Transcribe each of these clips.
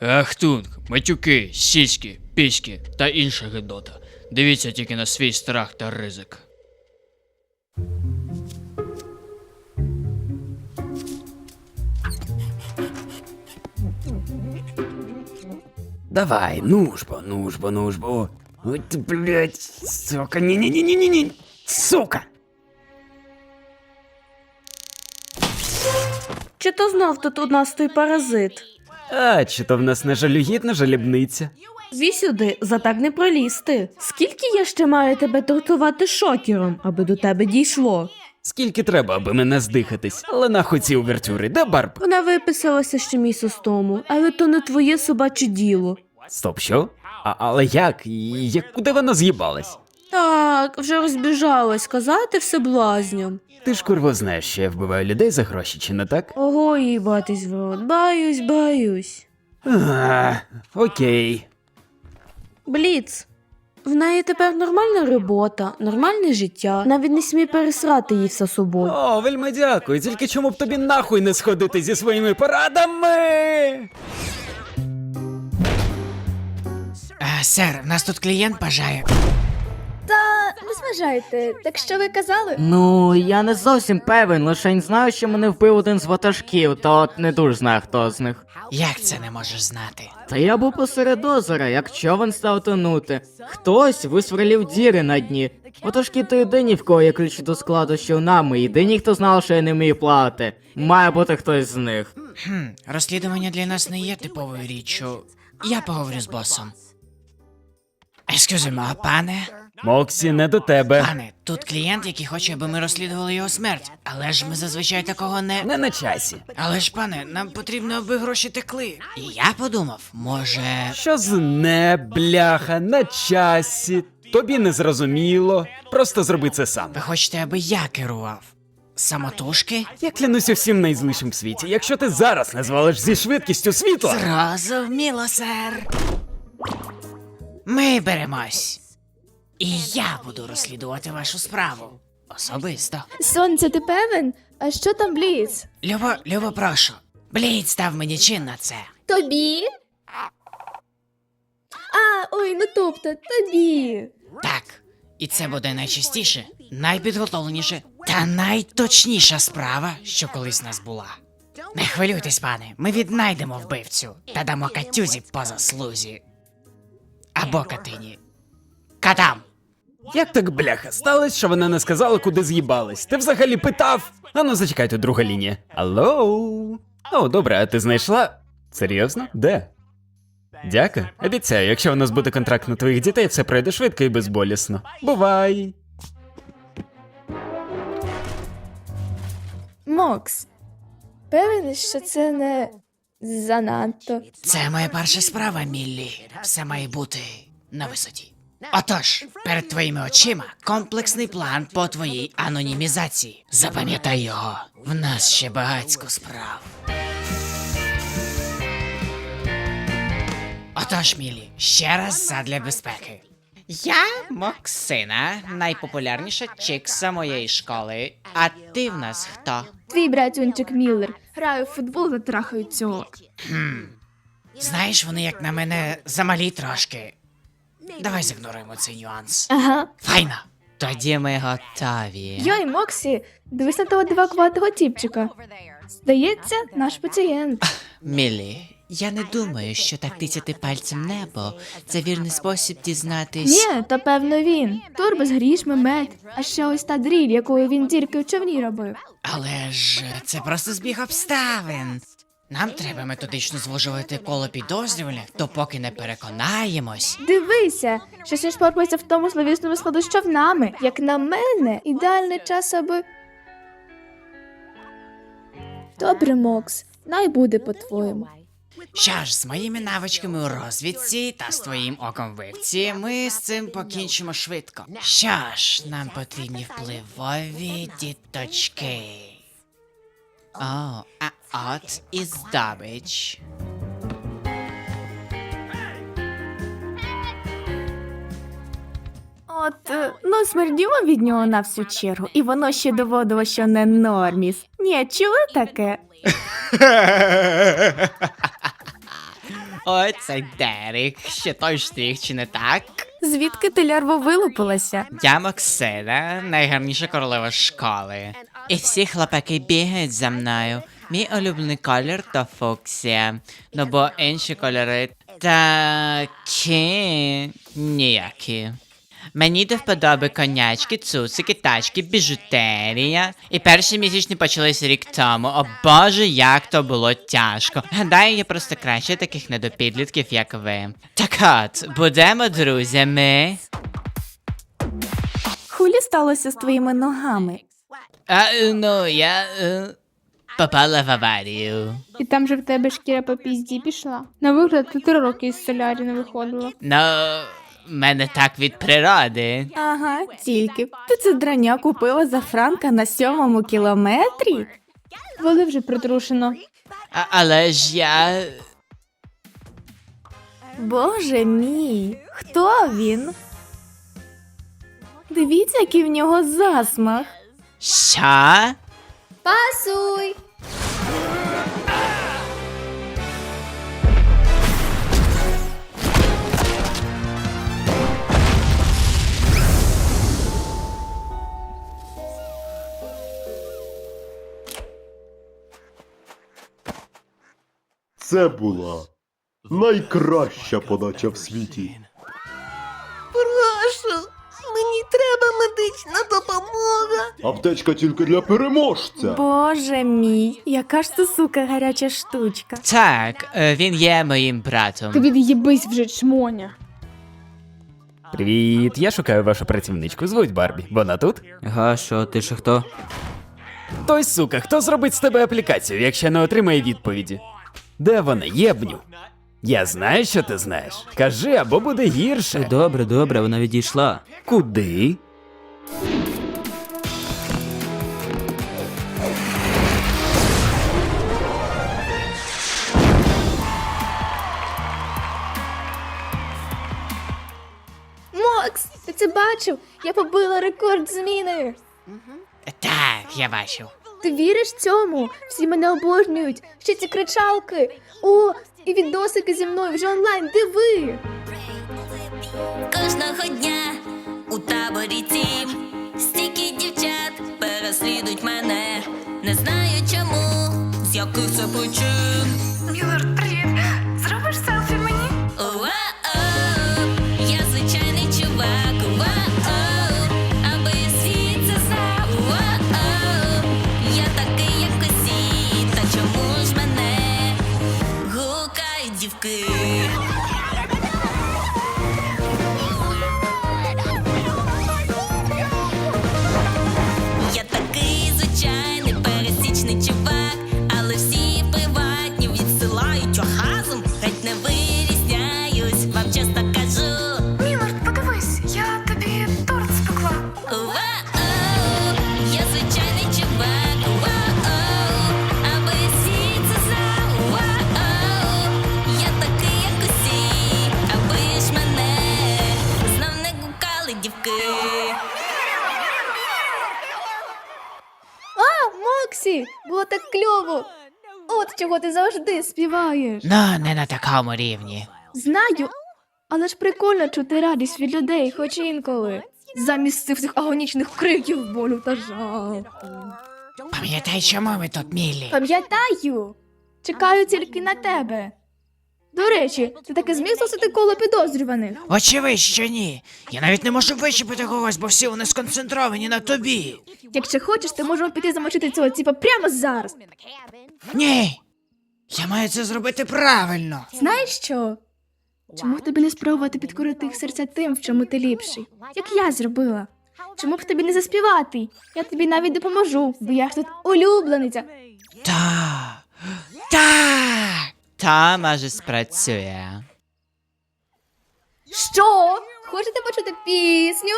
Ахтунг, матюки, сіськи, піськи та інша гидота. Дивіться тільки на свій страх та ризик. Давай, нужбо. Ой, ты, блядь, сука, не-не-не-не-не, сука! Чи то знов тут у нас той паразит? А, чи то в нас не жалюгідна жалібниця? Зві сюди, за так не пролізти. Скільки я ще маю тебе тортувати шокером, аби до тебе дійшло? Скільки треба, аби мене здихатись? Але нахуй ці увертюри, де Барб? Вона виписалася ще місяць тому, але то не твоє собаче діло. Стоп, що? Але як? Куди вона з'їбалась? Так, вже розбіжалась, казати все блазням. Ти ж курво знаєш, що я вбиваю людей за гроші, чи не так? Ого, їбатись в рот, баюсь. Окей. Бліц. В неї тепер нормальна робота, нормальне життя. Навіть не смій пересрати їй все собою. О, вельми дякую, тільки чому б тобі нахуй не сходити зі своїми порадами? Сер, в нас тут клієнт бажає. Не зважайте, так що ви казали? Ну, я не зовсім певен, лише знаю, що мене вбив один з ватажків, та от не дуже знаю, хто з них. Як це не можеш знати? Та я був посеред озера, як човен став тонути. Хтось висверлів діри на дні. Ватажки то єдині, в кого є ключі до складу з човнами, єдині, хто знав, що я не вмію плавати. Має бути хтось з них. Розслідування для нас не є типовою річчю. Я поговорю з босом. Ескюзимо, пане? Моксі, не до тебе. Пане, тут клієнт, який хоче, аби ми розслідували його смерть. Але ж ми зазвичай такого не... Не на часі. Але ж, пане, нам потрібно, аби гроші текли. І я подумав, може... Що з не, бляха, на часі? Тобі не зрозуміло. Просто зроби це сам. Ви хочете, аби я керував? Самотужки? Я клянуся всім найзлішим в світі. Якщо ти зараз не звалиш зі швидкістю світла... Зрозуміло, сер. Ми беремось. І я буду розслідувати вашу справу. Особисто. Сонце, ти певен? А що там Бліц? Любо, прошу. Блід став мені чин на це. Тобі? Ой, ну тобто, тобі. Так. І це буде найчастіше, найпідготовленіше та найточніша справа, що колись в нас була. Не хвилюйтесь, пане, ми віднайдемо вбивцю та дамо катюзі по заслузі. Або катині. Катам! Як так, бляха, сталося, що вона не сказала, куди з'їбалась? Ти взагалі питав? Ану, зачекайте, друга лінія. Алло? О, добре, а ти знайшла? Серйозно? Де? Дяка. Обіцяю, якщо у нас буде контракт на твоїх дітей, все пройде швидко і безболісно. Бувай! Мокс, певен, що це не занадто. Це моя перша справа, Міллі. Все має бути на висоті. Отож, перед твоїми очима комплексний план по твоїй анонімізації. Запам'ятай його. В нас ще багатько справ. Отож, Міллі, ще раз задля безпеки. Я Моксина, найпопулярніша чикса моєї школи. А ти в нас хто? Твій братюнчик Міллер. Граю в футбол та трахаю цьок. Знаєш, вони як на мене замалі трошки. Давай зігноруємо цей нюанс. Ага. Файно. Тоді ми готові. Йой, Моксі, дивись на того дивакуватого тіпчика. Здається, наш пацієнт. Міллі, я не думаю, що так тицяти пальцем небо – це вірний спосіб дізнатись. Ні, то певно він. Турбо з грішми, мед. А ще ось та дріль, якою він дірки в човні робив. Але ж це просто збіг обставин. Нам треба методично звужувати коло підозрюваних, допоки не переконаємось. Дивися, щось він шпорпається в тому словісному складу з човнами. Як на мене, ідеальний час, аби... Добре, Мокс, най буде по-твоєму. Що ж, з моїми навичками у розвідці та з твоїм оком вивці ми з цим покінчимо швидко. Що ж, нам потрібні впливові діточки. О, а от і здобич. Ну, смердімо від нього на всю чергу, і воно ще доводило, що не норміс. Ні, чули таке? Оце Дерек, ще той штрих, чи не так? Звідки ти лярво вилупилася? Я Максида, найгарніша королева школи. І всі хлопаки бігають за мною. Мій улюблений колір то фуксія. Ну бо інші кольори такі ніякі. Мені до вподоби конячки, цуцики, тачки, біжутерія. І перші місячні почались рік тому. О боже, як то було тяжко. Гадаю, я просто краще таких недопідлітків, як ви. Так от, будемо друзями. Хулі сталося з твоїми ногами? Ну, я попала в аварію. І там же в тебе шкіра по пізді пішла. На вигляд, ти 3 роки із солярі не виходила. Ну, в мене так від природи. Ага, тільки. Ти це драння купила за франка на 7-му кілометрі? Воли вже притрушено. Але ж я... Боже мій, хто він? Дивіться, який в нього засмах. Що? Пасуй! Це була найкраща подача в світі. Прошу, мені треба медична допомога. Аптечка тільки для переможця. Боже мій, яка ж ти, сука, гаряча штучка. Так, він є моїм братом. Ти від'їбись вже, чмоня. Привіт, я шукаю вашу працівничку. Звуть Барбі. Вона тут? Га, що, ти ще хто? Той сука, хто зробить з тебе аплікацію, якщо не отримає відповіді? Де вона, єбню? Я знаю, що ти знаєш. Кажи, або буде гірше. Добре, вона відійшла. Куди? Макс, ти це бачив? Я побила рекорд зміни. Так, я бачив. Ти віриш цьому? Всі мене обожнюють. Ще ці кричалки. О, і відосики зі мною вже онлайн. Диви. Кожного дня у таборі тім стільки дівчат переслідують мене. Не знаю чому, з яких це причин. Мілорд, привіт. Зробиш селфі мені? Уа-оу, я звичайний чувак. Уа-оу, аби світ це знав. Уа-оу, я такий, як усі. Та чому ж мене гукають дівки? Я такий звичайний пересічний чувак, але всі приватні відсилають оргазм, геть не вирізняюсь, вам чесно кажу. Мілорд, подивись, я тобі торт спекла. Уа-оу, я звичайний чувак. Уа-оу, аби всі це знав. Уа-оу, я такий, як усі, аби ж мене знов не гукали дівки. Моксі, було так кльово. От чого ти завжди співаєш. Ну, не на такому рівні. Знаю, але ж прикольно чути радість від людей, хоч інколи. Замість цих всіх агонічних криків болю та жалу. Пам'ятай, чому ми тут, Міллі? Пам'ятаю, чекаю тільки на тебе. До речі, ти таки зміг засити коло підозрюваних. Очевидь, що ні. Я навіть не можу вичепити когось, бо всі вони сконцентровані на тобі. Якщо хочеш, ти можемо піти замочити цього типа прямо зараз. Ні. Я маю це зробити правильно. Знаєш що? Чому б тобі не спробувати підкорити їх серця тим, в чому ти ліпший? Як я зробила. Чому б тобі не заспівати? Я тобі навіть допоможу, бо я ж тут улюблениця. Та, може, спрацює. Що? Хочете почути пісню?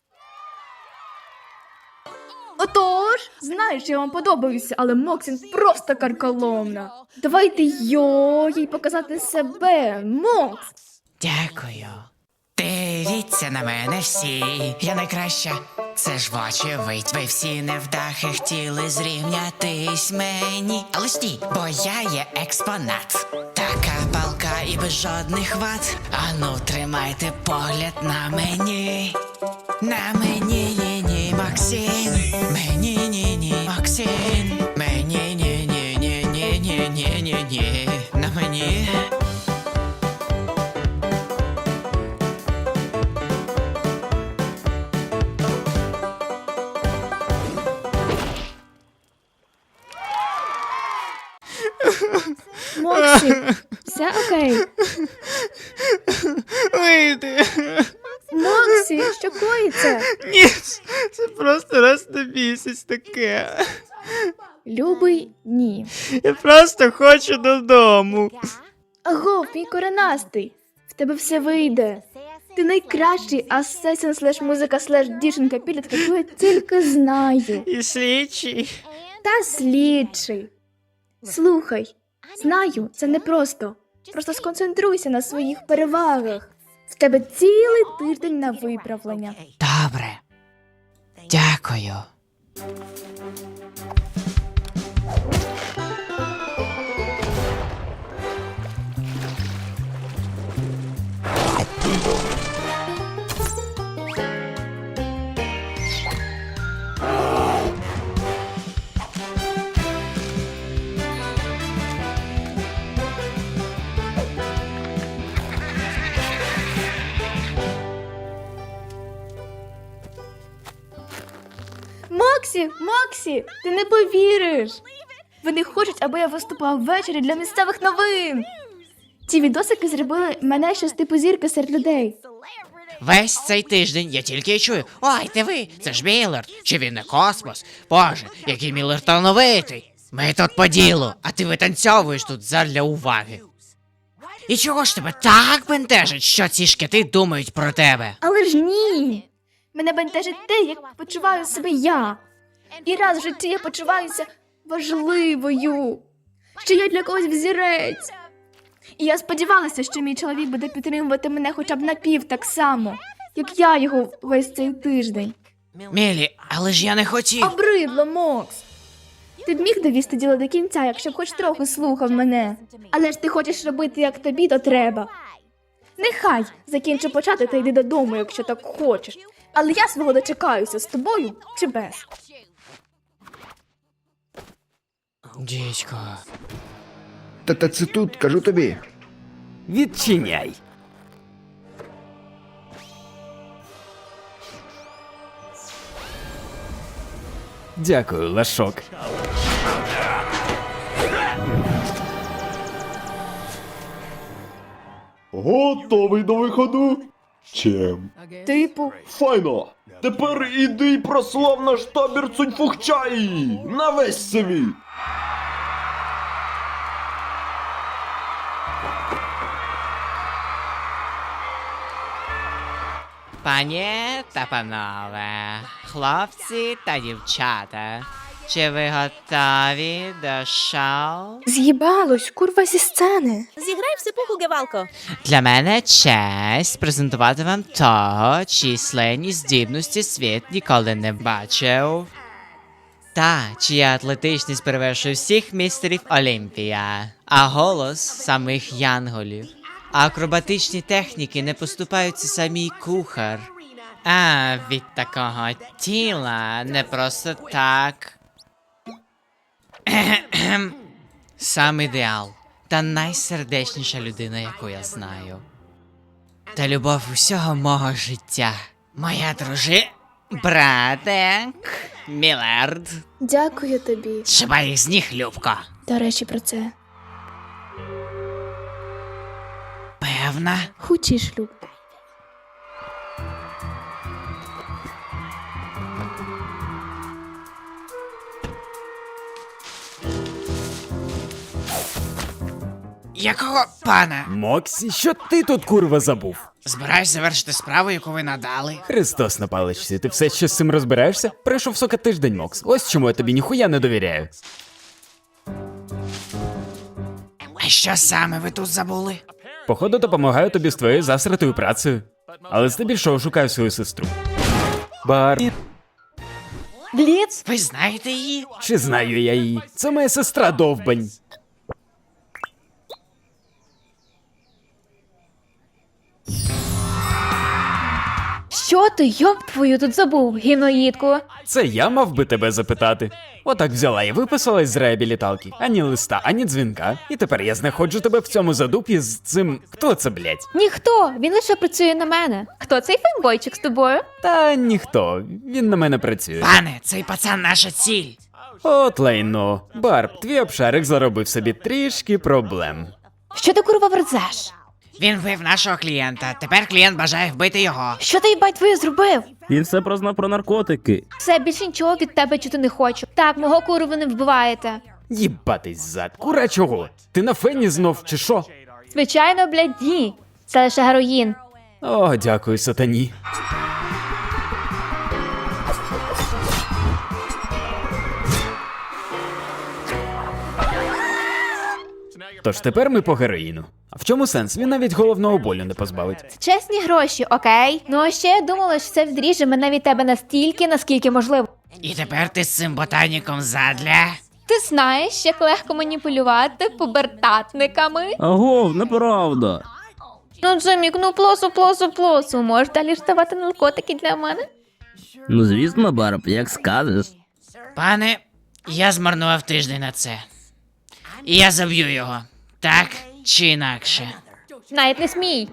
Отож, знаєш, я вам подобаюся, але Моксін просто карколомна. Давайте їй показати себе, Мокс. Дякую. Дивіться на мене всі, я найкраща. Це ж вочевидь, ви всі невдахи хотіли зрівнятись мені. Але стій, бо я є експонат. Така палка і без жодних вад. Ану, тримайте погляд на мені. На мені, ні-ні, Максим. Мені, ні-ні, Максим. Мені, ні-ні-ні-ні-ні-ні-ні-ні. На мені. Моксі, все окей. Вийди. Моксі, що коїться? Ні, це просто раз на місяць таке. Любий, ні. Я просто хочу додому. Аго, мій коренастий. В тебе все вийде. Ти найкращий асесін слеш музика слеш дівчинка підлітка, яку я тільки знаю. І слідчий. Та слідчий. Слухай, знаю, це непросто. Просто сконцентруйся на своїх перевагах. В тебе цілий тиждень на виправлення. Добре. Дякую. Моксі, ти не повіриш. Вони хочуть, аби я виступала ввечері для місцевих новин. Ці відосики зробили мене щось типу зірки серед людей. Весь цей тиждень я тільки й чую: ой, ти ви, це ж Міллард, чи він не космос? Боже, який Міллард талановитий. Ми тут по ділу, а ти витанцьовуєш тут задля уваги. І чого ж тебе так бентежить, що ці шкіти думають про тебе? Але ж ні. Мене бентежить те, як почуваю себе я. І раз в житті я почуваюся важливою, що я для когось взірець. І я сподівалася, що мій чоловік буде підтримувати мене хоча б напів так само, як я його весь цей тиждень. Мілі, але ж я не хотів. Обридло, Мокс. Ти б міг довести діло до кінця, якщо б хоч трохи слухав мене. Але ж ти хочеш робити, як тобі, то треба. Нехай закінчу почати та йди додому, якщо так хочеш. Але я свого дочекаюся з тобою чи без. Дідько. Та це тут, кажу тобі. Відчиняй. Дякую, Лашок. Готовий до виходу? Чим? Типу, Файно! Тепер іди й прослав наш табір Цуньфухчаї на весь світ! Пані та панове, хлопці та дівчата, чи ви готові до шоу? з'їбалось, курва зі сцени. Зіграй в сипуху, Гевалко. Для мене честь презентувати вам того, чиї сленні здібності світ ніколи не бачив. Та, чия атлетичність перевершує всіх містерів Олімпія, а голос самих янголів. А акробатичні техніки не поступаються самій кухар. А від такого тіла не просто так. Сам ідеал та найсердечніша людина, яку я знаю. Та любов усього мого життя. Моя братик, Міллард. Дякую тобі. Шибай їх з ніг, Любко. До речі, про це. Певна? Хучий шлюб. Якого пана? Моксі, що ти тут, курва, забув? Збираюсь завершити справу, яку ви надали. Христос на паличці, ти все ще з цим розбираєшся? Пройшов сока тиждень, Мокс. Ось чому я тобі ніхуя не довіряю. А що саме ви тут забули? Походу, допомагаю тобі з твоєю засратою працею. Але здебільшого шукаю свою сестру. Бліц? Ви знаєте її? Чи знаю я її? Це моя сестра довбань. Що ти, йоб твою, тут забув, гімноїдку? Це я мав би тебе запитати. Отак взяла і виписалась з реабіліталки. Ані листа, ані дзвінка. І тепер я знаходжу тебе в цьому задупі з цим. Хто це, блять? Ніхто, він лише працює на мене. Хто цей фейнбойчик з тобою? Та ніхто. Він на мене працює. Пане, цей пацан наша ціль. От лайно. Барб, твій обшарик заробив собі трішки проблем. Що ти, курва, верзеш? Він вбив нашого клієнта. Тепер клієнт бажає вбити його. Що ти, їбать, твою зробив? Він все прознав про наркотики. Все, більше нічого від тебе чути не хочу. Так, мого куру ви не вбиваєте. Їбатись зад. Кура чого? Ти на фені знов чи що? Звичайно, блядь, ні. Це лише героїн. О, дякую, сатані. Тож тепер ми по героїну. А в чому сенс? Він навіть головного болю не позбавить. Чесні гроші, окей? Ну а ще я думала, що це відріже мене від тебе настільки, наскільки можливо. І тепер ти з цим ботаніком задля. Ти знаєш, як легко маніпулювати пубертатниками? Агов, неправда. Ну, Джимік, ну плосу. Можеш далі ж давати наркотики для мене? Ну звісно, Барб, як скажеш. Пане, я змарнував тиждень на це. І я заб'ю його. Так чи інакше. Навіть не смій.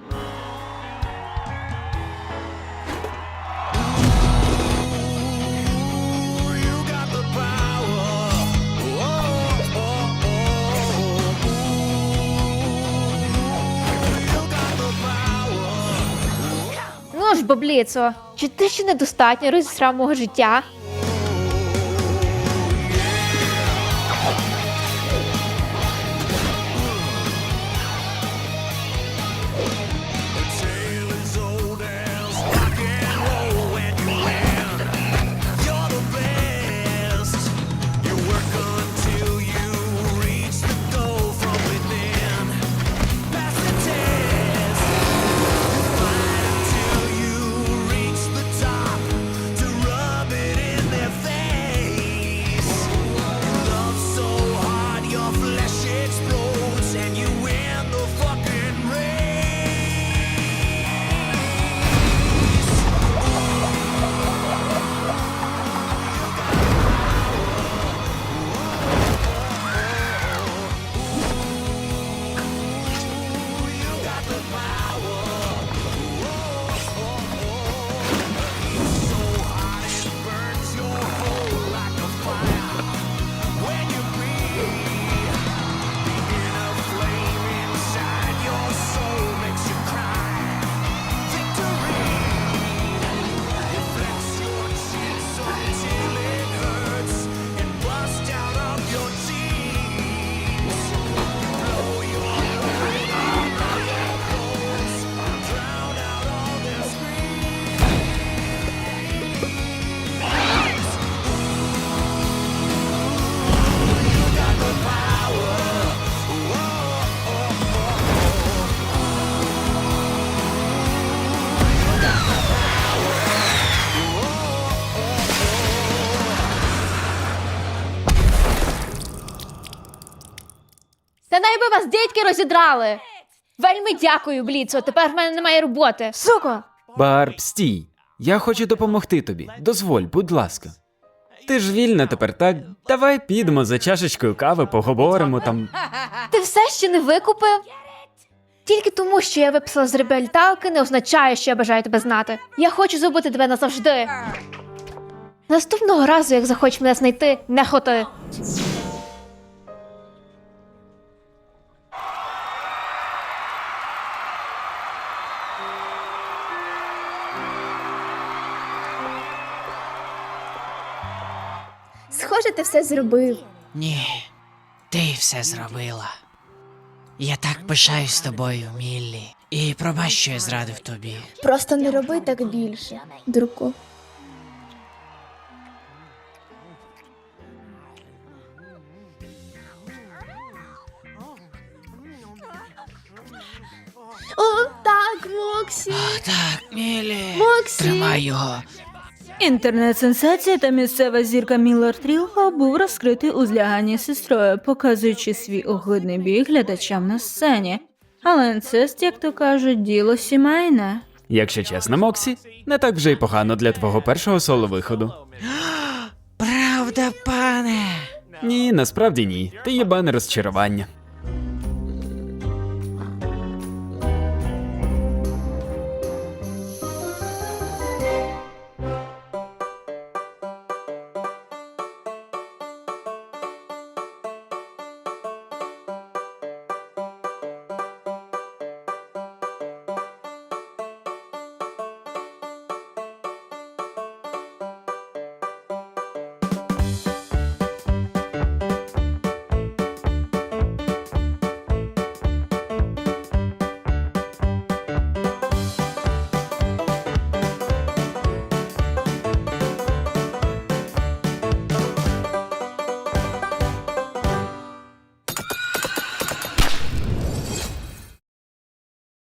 Ну ж, бабліцо, чи ти ще недостатньо розісрав мого життя? Та найби вас дідьки розідрали! Вельми дякую, Бліцо, тепер в мене немає роботи. Суко! Барб, стій. Я хочу допомогти тобі. Дозволь, будь ласка. Ти ж вільна тепер, так? Давай підемо за чашечкою кави, поговоримо там. Ти все ще не викупив? Тільки тому, що я виписала з реабіліталки, не означає, що я бажаю тебе знати. Я хочу забути тебе назавжди. Наступного разу, як захочеш мене знайти, не хоти. Схоже, ти все зробив. Ні, ти все зробила. Я так пишаюсь тобою, Міллі. І пробач, що я зрадив тобі. Просто не роби так більше, друку. О, так, Моксі. Так, Міллі. Моксі. Тримай його. Інтернет-сенсація та місцева зірка Міллер Трілго був розкритий у зляганні з сестрою, показуючи свій огидний бій глядачам на сцені. Але інцест, як то кажуть, діло сімейне. Якщо чесно, Моксі, не так вже й погано для твого першого соло-виходу. Правда, пане? Ні, насправді ні. Ти єбане розчарування.